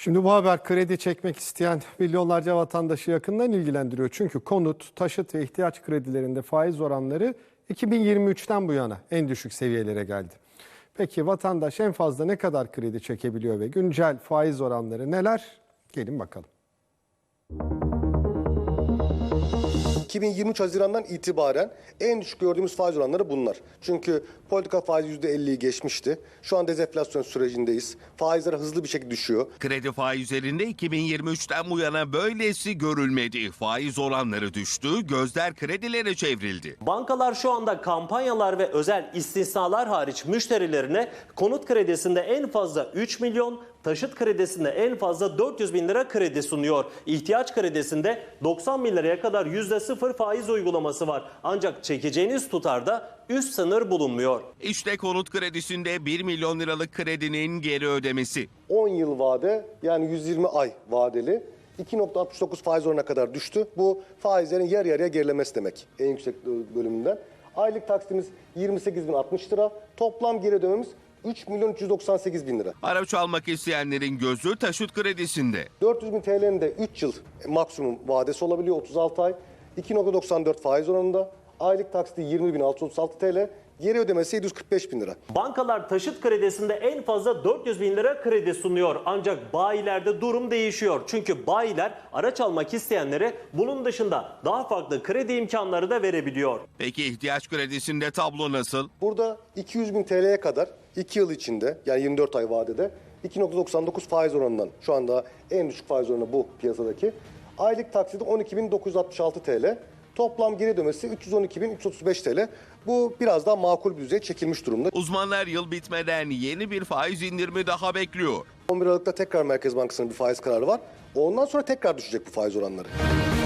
Şimdi bu haber kredi çekmek isteyen milyonlarca vatandaşı yakından ilgilendiriyor. Çünkü konut, taşıt ve ihtiyaç kredilerinde faiz oranları 2023'ten bu yana en düşük seviyelere geldi. Peki vatandaş en fazla ne kadar kredi çekebiliyor ve güncel faiz oranları neler? Gelin bakalım. 2023 Haziran'dan itibaren en düşük gördüğümüz faiz oranları bunlar. Çünkü politika faizi %50'yi geçmişti. Şu an dezenflasyon sürecindeyiz. Faizler hızlı bir şekilde düşüyor. Kredi faizlerinde 2023'ten bu yana böylesi görülmedi. Faiz oranları düştü, gözler kredilere çevrildi. Bankalar şu anda kampanyalar ve özel istisnalar hariç müşterilerine konut kredisinde en fazla 3 milyon, taşıt kredisinde en fazla 400 bin lira kredi sunuyor. İhtiyaç kredisinde 90 bin liraya kadar %0 faiz uygulaması var. Ancak çekeceğiniz tutarda üst sınır bulunmuyor. İşte konut kredisinde 1 milyon liralık kredinin geri ödemesi. 10 yıl vade, yani 120 ay vadeli 2,69 faiz oranına kadar düştü. Bu faizlerin yarı yarıya gerilemesi demek en yüksek bölümünden. Aylık taksitimiz 28.060 lira. Toplam geri ödememiz 3.398.000 lira. Araç almak isteyenlerin gözü taşıt kredisinde. 400.000 TL'nin de 3 yıl maksimum vadesi olabiliyor, 36 ay. 2,94 faiz oranında. Aylık taksiti 20.636 TL. Geri ödemesi 745.000 lira. Bankalar taşıt kredisinde en fazla 400 bin lira kredi sunuyor. Ancak bayilerde durum değişiyor. Çünkü bayiler araç almak isteyenlere bunun dışında daha farklı kredi imkanları da verebiliyor. Peki ihtiyaç kredisinde tablo nasıl? Burada 200.000 TL'ye kadar 2 yıl içinde, yani 24 ay vadede 2,99 faiz oranından, şu anda en düşük faiz oranı bu piyasadaki. Aylık taksidi 12.966 TL. Toplam geri ödemesi 312.335 TL. Bu biraz daha makul bir düzeye çekilmiş durumda. Uzmanlar yıl bitmeden yeni bir faiz indirimi daha bekliyor. 11 Aralık'ta tekrar Merkez Bankası'nın bir faiz kararı var. Ondan sonra tekrar düşecek bu faiz oranları.